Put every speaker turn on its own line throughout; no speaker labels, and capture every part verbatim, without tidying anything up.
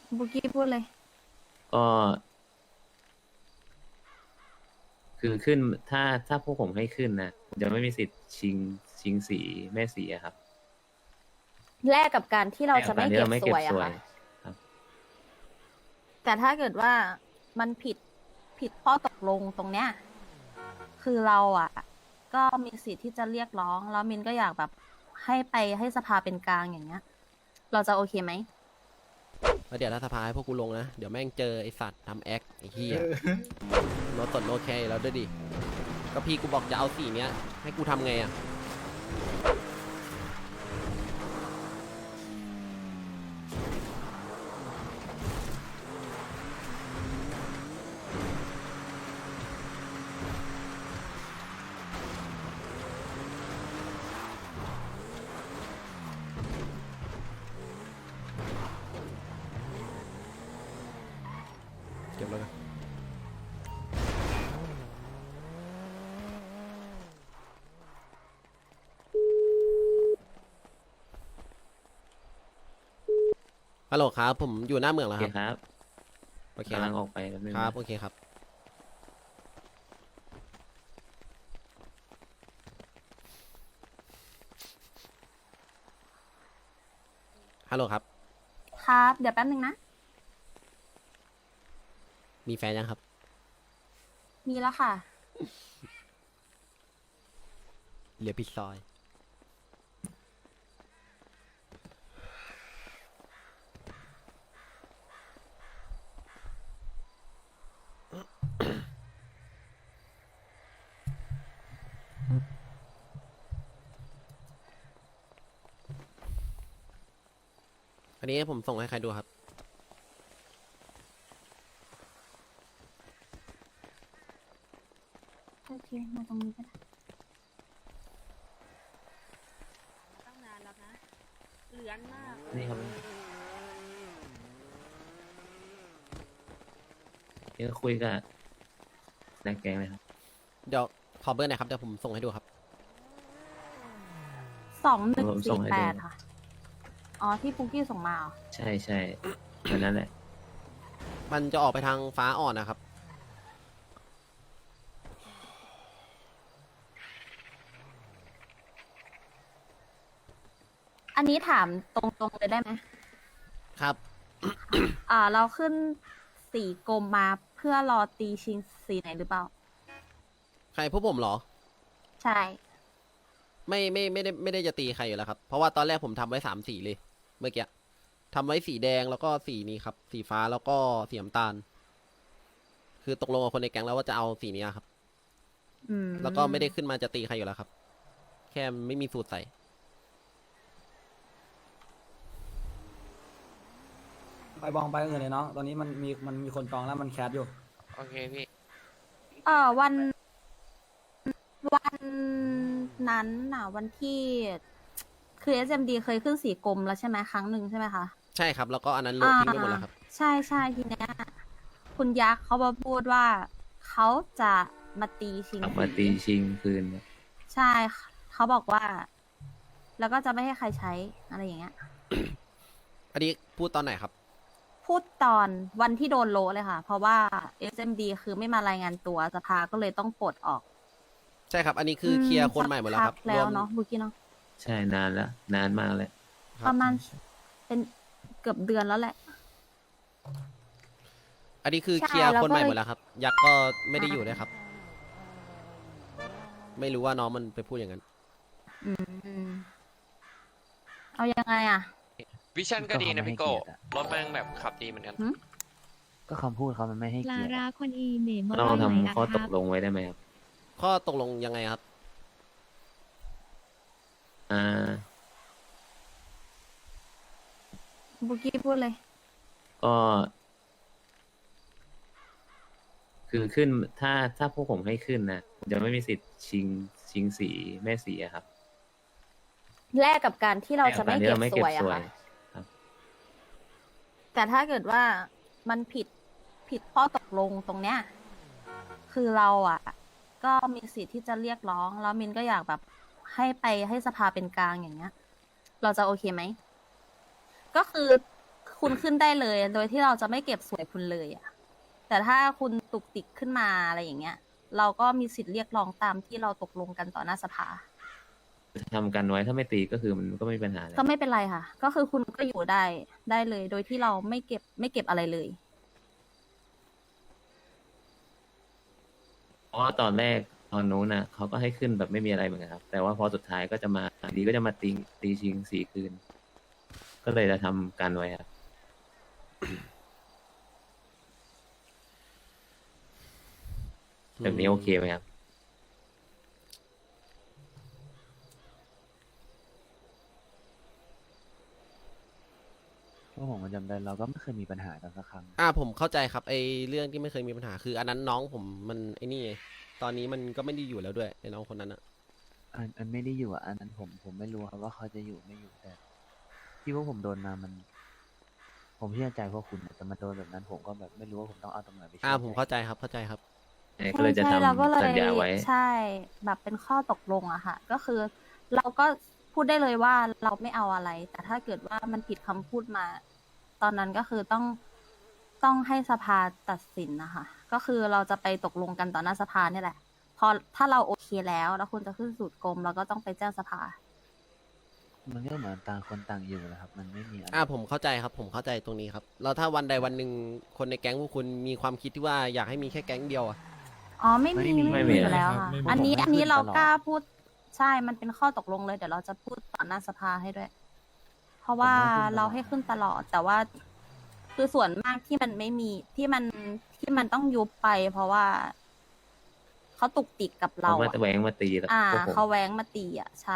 บุกี้พูดเลย
ก็คือขึ้นถ้าถ้าพวกผมให้ขึ้นนะผมจะไม่มีสิทธิ์ชิงชิงสีแม่สีอะครับ
แลกกับการที่เรา
แต่กับการที่
จะไม่เก็บ
เราไม่เก็บ
สวยอะค่ะ
สวยครับ
แต่ถ้าเกิดว่ามันผิดผิดข้อตกลงตรงเนี้ยคือเราอะก็มีสิทธิ์ที่จะเรียกร้องแล้วมินก็อยากแบบให้ไปให้สภาเป็นกลางอย่างเงี้ยเราจะโอเคไหม
แล้วเดี๋ยวถ้าสภาให้พวกกูลงนะ เดี๋ยวแม่งเจอไอสัตว์ทำแอคไอ้เหี้ยโนตดโนแคร์แล้วด้วยดิ ก็พี่กูบอกจะเอาสีเนี้ย ให้กูทำไงอ่ะ เก็บแล้วกันฮัลโหลครับ ผมอยู่หน้าเมือง
โอ
แล้วครับ
เคครับ
โอเคค
กำลั
รับ
งออกไปแป๊บนึง
ครับ
นะ
โอเคครับ ฮัลโหลครับ
ครับเดี๋ยวแป๊บนึงนะ
มีแฟนยังครับ
มีแล้วค่ะ
เหลือพี่ซอย อันนี้ผมส่งให้ใครดูครับ
โอเคมาตรงนี้ก็ได้
ตั้งนานแล้วนะเหลือนมาก
นี่ครับเดี๋ยวคุยกับนายแกงเลยครับ
เดี๋ยวขอเบอร์หน่อยครับ เดี๋ยวผมส่งให้ดูครับ
สองหนึ่ง
ผมส่
สี่
งให้
แป
ดู
ดค่ะอ๋อที่ปุกกี้ส่งมาเหรอ
ใช่ใช่อันนั้นแหละ
มันจะออกไปทางฟ้าอ่อนนะครับ
อันนี้ถามตรงๆเลยได้ไหม
ครับ
อ่าเราขึ้นสีกรมมาเพื่อรอตีชิงสีไหนหรือเปล่า
ใครพวกผมเหรอ
ใช่
ไม่ไม่ไม่ได้ไม่ได้จะตีใครอยู่แล้วครับ เพราะว่าตอนแรกผมทำไว้สามสีเลย เมื่อกี้ทำไว้สีแดงแล้วก็สีนี้ครับ สีฟ้าแล้วก็สีน้ำตาล คือตกลงกับคนในแก๊งแล้วว่าจะเอาสีนี้ครับ
อืม
แล้วก็ไม่ได้ขึ้นมาจะตีใครอยู่แล้วครับ แค่ไม่มีสูตรใส่
ไปบองไปอื่นเลยน้องตอนนี้มันมีมันมีคนจองแล้วมันแคสอยู่
โอเคพี่
เออวันวันนั้นน่ะ วันที่ คือ เอส เอ็ม ดี เคยขึ้นสีกรมแล้วใช่ไหมครั้งหนึ่งใช่ไหมคะ
ใช่ครับ แล้วก็อันนั้นโหลดทิ้งไปหมดแล้วครับ
ใช่ใช่ทีเนี้ยคุณยักษ์เขามาพูดว่าเขาจะมาตีชิง
กลับมาตีชิงคืนเนี่ย
ใช่เขาบอกว่า แล้วก็จะไม่ให้ใครใช้อะไรอย่างเงี้ย
อันนี้พูดตอนไหนครับ
พูดตอนวันที่โดนโลเลยค่ะ เพราะว่า เอส เอ็ม ดี คือไม่มารายงานตัวสภาก็เลยต้องปลดออก
ใช่ครับ อันนี้คือเคลียร์คนใหม่หมดแล้วครับ
สักพักแล้วเนาะบุกี้เนาะ
ใช่นานแล้ว นานมากแล้ว
คบ
ประมาณเป็นเกือบเดือนแล้วแหละ
อันนี้คือ
ใช่
เคลียร์
แล้ว
คนใหม่
ก็เลย
หมดแล้วครับ ยักษ์ก็ไม่ได้อยู่ด้วยครับ ไม่รู้ว่าน้องมันไปพูดอย่างนั้น
อืมเอายังไงอ่ะ
วิชั่นก็ดีนะพี่โก้
ก็เขาไม่ให้เกียรติอะ
รถแม่งแบบขับดีเหมือนกัน
หืม
ก็คำพูดเขามันไม่ให้
ลา
เกียรติ
ราคนอีเหน่มา
เรา
ว่าไหน
ทำ
อะ
ข้อ
ค
ต
รั
ก
บ
ลงไว้ได้ไหมครับ
ข้อตกลงยังไงครับ
อ่า
บุกี้พูดเลย
ก็ คือขึ้นถ้าถ้าพวกผมให้ขึ้นนะผมจะไม่มีสิทธิ์ชิงชิงสีแม่สีอะครับ
แลกกับการที่เราจะไม่
แต่
เก็
กั
บ
นที่
สวยอะ
เราไม่
ค่ะ
เก็บสวยครับ
แต่ถ้าเกิดว่ามันผิดผิดข้อตกลงตรงเนี้ย คือเราอ่ะ ก็มีสิทธิ์ที่จะเรียกร้องแล้วมินก็อยากแบบให้ไปให้สภาเป็นกลางอย่างเงี้ย เราจะโอเคไหม ก็คือคุณขึ้นได้เลย โดยที่เราจะไม่เก็บสวยคุณเลยอะแต่ถ้าคุณตุกติกขึ้นมาอะไรอย่างเงี้ย เราก็มีสิทธิ์เรียกร้องตามที่เราตกลงกันต่อหน้าสภา
ทำกันไว้ถ้าไม่ตีก็คือมันก็ไม่มีปัญหาเลย
ก็ไม่เป็นไรค่ะ ก็คือคุณก็อยู่ได้ได้เลย โดยที่เราไม่เก็บไม่เก็บอะไรเลย
เพราะว่าตอนแรกตอนนู้นน่ะเขาก็ให้ขึ้นแบบไม่มีอะไรเหมือนกันครับ แต่ว่าพอสุดท้ายก็จะมาดีก็จะมาตีตีชิงสี่คืน ก็เลยจะทำกันไว้ครับ แบบนี้โอเคไหมครับ
เพราะผมก็จำได้เราก็ไม่เคยมีปัญหากันสักครั้ง
อ่าผมเข้าใจครับไอเรื่องที่ไม่เคยมีปัญหาคือ อันนั้นน้องผมมันไอนี่ไงตอนนี้มันก็ไม่ได้อยู่แล้วด้วยไอน้องคนนั้นอะ
อันอันไม่ได้อยู่อ่ะอันนั้นผมผมไม่รู้ครับว่าเขาจะอยู่ไม่อยู่แต่ที่พวกผมโดนมามัน ผมเชื่อใจพวกคุณแต่มาโดนแบบนั้นผมก็แบบไม่รู้ว่าผมต้องเอาตรงไหนไปเชื่
อ่า
อ
ผม
ใจ
เข้าใจครับเข้าใจครับ
ก็เลยจะ
ใช่เราก็เล
ทำ
ย
สัญญาไว้
ใช่แบบเป็นข้อตกลงอะค่ะ ก็คือเราก็พูดได้เลยว่าเราไม่เอาอะไร แต่ถ้าเกิดว่ามันผิดคำพูดมา ตอนนั้นก็คือต้องต้องให้สภาตัดสินนะคะ ก็คือเราจะไปตกลงกันต่อหน้าสภาเนี่ยแหละ พอถ้าเราโอเคแล้ว แล้วคุณจะขึ้นสู่กรมเราก็ต้องไปแจ้งสภา
มันก็เหมือนต่างคนต่างอยู่นะครับ มันไม่มีอะไร
อ่าผมเข้าใจครับ ผมเข้าใจตรงนี้ครับแล้วถ้าวันใดวันหนึ่งคนในแก๊งพวกคุณมีความคิดที่ว่าอยากให้มีแค่แก๊งเดียวอะ
อ๋อไม่มี
ไม่มี
ไม่
ไม่มี
มีอยู่แล้วค่ะ
ไม่มี
อันนี้
ผมไม่
อันนี้
ขึ้น
เรา
ตลอด
กล้าพูดใช่มันเป็นข้อตกลงเลยเดี๋ยวเราจะพูดต่อหน้าสภาให้ด้วย เพราะว่าเราให้ขึ้นตลอด แต่ว่าคือส่วนมากที่มันไม่มีที่มันที่มันต้องยุบไป เพราะว่าเขาตุกติกกับเรา
เขามา
อะ
แหวงมาตีแล้ว
อ่า
พวกผม
เขาแว้งมาตีอ่ะใช่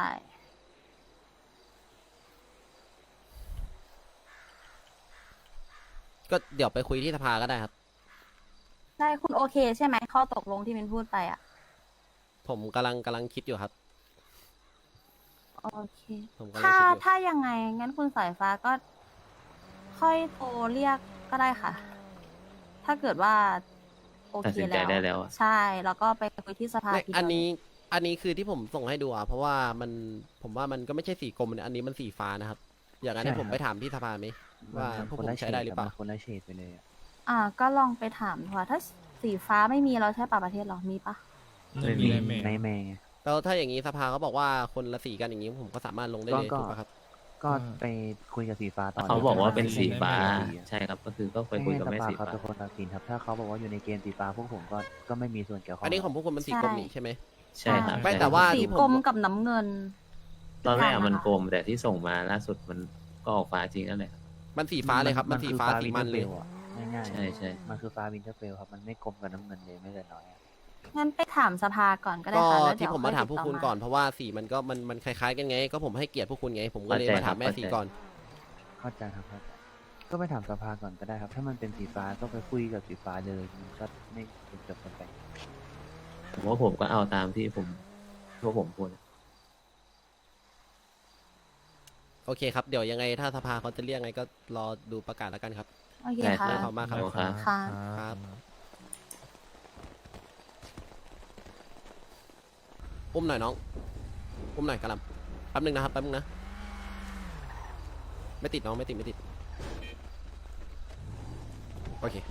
ก็เดี๋ยวไปคุยที่สภาก็ได้ครับ
ใช่คุณโอเคใช่ไหมข้อตกลงที่มินพูดไปอ่ะ
ผมกำลังกำลังคิดอยู่ครับ
โอเค
ผมกำลัง
ถ้า
คิดอยู่
ถ้ายังไง งั้นคุณสายฟ้าก็ค่อยโทรเรียกก็ได้ค่ะ ถ้าเกิดว่า โอ
ตัด
เค
สินใจ
แล้ว
ได้แล้วอะ
ใช่ แล้วก็ไปคุยที่สภา
ไม่
ทีเดียว
อันนี้อันนี้คือที่ผมส่งให้ดูอ่ะเพราะว่ามันผมว่ามันก็ไม่ใช่สีกรมนะอันนี้มันสีฟ้านะครับ อย่างนั้นให้ผมไปถามที่สภาไหมว่า
มัน
พวก
คน
ผม
ละ
ใช้ได้หรือเปล่า
มันคนละเฉดไปเลยอะ
อ่า ก็ลองไปถามดูค่ะถ้าสีฟ้าไม่มีเราใช้ป่าประเทศหรอมีปะ
ไม่มีอะไรแม่
ในแม่ไง
แล้วถ้าอย่างนี้สภาเขาบอกว่าคนละสีกันอย่างนี้ผมก็สามารถลงได้เลย
ก็
ถูกปะครับ
ก็ไปคุยกับสีฟ้าตอน
เขาบอกว่าเป็นสีฟ้า
ไม่
ใช่ครับ ก็คือก็ไปคุยกับ
ให้
แม่
สภา
สี
เขา
ฟ้า
เป็นคนตัดสินครับ ถ้าเขาบอกว่าอยู่ในเกณฑ์สีฟ้าพวกผมก็ก็ไม่มีส่วนเกี่ยวข้อง
อันนี้ของพวกคุณมันสีกรมนี่ใช่ไหม
ใช่ครับ
ไม่
ใช่
แต่ว่า
สี
ที่ผม
กรมกับน้ำเงิน
ตอนแรกอะมัน
ค่ะ
กลมแต่ที่ส่งมาล่าสุดมันก็ออกฟ้าจริงนั่นแหละครับ
มันสีฟ้าเลยครับ มันสีฟ้าสีมันเลย
ง่ายๆ
ใช่ใช่
มันคือฟ้าวินเทอร์เฟลครับ มันไม่กลมกับน้ำเงินเลยไม่แต่น้อยอะ
งั้นไปถามสภาก่อนก็ได้
ก็
ค่ะแล้ว
ที่
เดี๋ยว
ผมมาถามพ
ค่
ว
อก ติด
คุณ
ต่
ก่อนเพราะว่าสีมันก็มันมันคล้ายๆกันไง ก็ผมให้เกียรติพวกคุณไง ผมก็เลย
เข้าใจ
มาถามแม่
ครับ
สี
เข้าใจ
ก่อน
เข้าใจครับเข้าใจก็ไปถามสภาก่อนก็ได้ครับ ถ้ามันเป็นสีฟ้าก็ไปคุยกับสีฟ้าเลยมันก็ไม่เป็นจบกันไป
ผมว่าผมก็เอาตามที่ผมพวกผมพูด
โอเคครับ เดี๋ยวยังไงถ้าสภาเขาจะเรียกไงก็รอดูประกาศแล้วกันครับ
โอเค
ได้
ค่ะ
ขอบคุณมากครับ
ครับ
ค่ะ
ครับ อุ้มหน่อยน้อง อุ้มหน่อยกระหลำแป๊บนึงนะครับแป๊บนึงนะ ไม่ติดน้องไม่ติดไม่ติด โอเค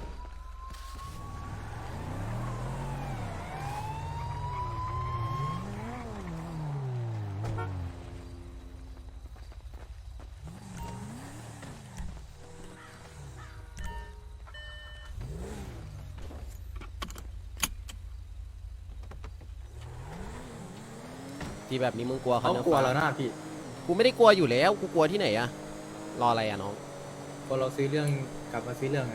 ที่แบบนี้มึงกลัวเขา
เขา
เนื้อก
ลัว
ฟ้า
แล้วนะพี่
กูไม่ได้กลัวอยู่แล้ว กูกลัวที่ไหนอะรออะไรอะน้อง
พอเราซื้อเรื่องกลับมาซื้อเรื่องไง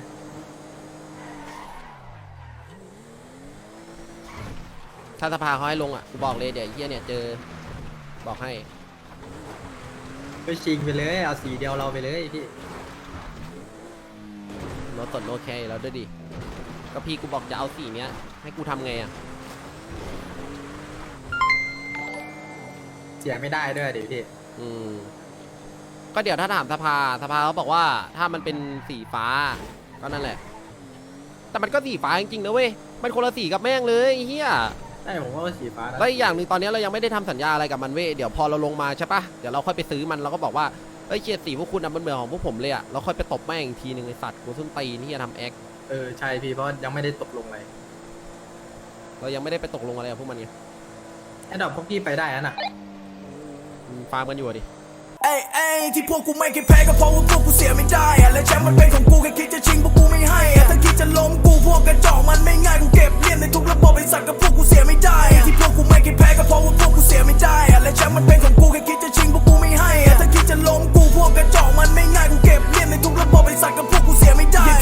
ถ้าสภาเขาให้ลงอะกูบอกเลยเดี๋ยวไอ้เฮียเนี่ยเจอ บอกให้
ไปชิงไปเลยเอาสีเดียวเราไปเลยพี่
รถสดโลแคแล้วด้วยดิ ก็พี่กูบอกจะเอาสีเนี้ย ให้กูทำไงอะ
เสียไม่ได้ด้วยดิพี่
อืม ก็เดี๋ยวถ้าถามสภา สภาเขาบอกว่าถ้ามันเป็นสีฟ้า ก็นั่นแหละ แต่มันก็สีฟ้าจริงๆนะเว้ย มันคนละสีกับแม่งเลยไอ้เฮีย
ได้ผมว่าสีฟ้านะ
แล้วอีกอย่างหนึ่งตอนนี้เรายังไม่ได้ทำสัญญาอะไรกับมันเว้ย เดี๋ยวพอเราลงมาใช่ปะเดี๋ยวเราค่อยไปซื้อมันเราก็บอกว่า เออ้ยเกียรติสีพวกคุณอะมันเหมือนของพวกผมเลยอะแล้วค่อยไปตบแม่งอีกทีหนึ่งไอสัตว์กูส้นตีนที่จะทำแอค
เออใช่พี่เพราะยังไม่ได้ตกลงอะไร
เรายังไม่ได้ไปตกลงอะไรกับพวกมันไง
ไอ้ดอกพวกพี่ไปได้นะน่ะ
อืมฟาร์มกันอยู่อะดิ
เอ้ยเอ้ยที่พวกกูไม่เคยแพ้ก็เพราะว่าพวกกูเสียไม่ได้อะและแชมป์มันเป็นของกูแค่คิดจะชิงพวกกูไม่ให้อะถ้าคิดจะล้มกูพวกกระจอกมันไม่ง่ายกูเก็บเลี่ยมในทุกระบบไอ้สัตว์กับพวกกู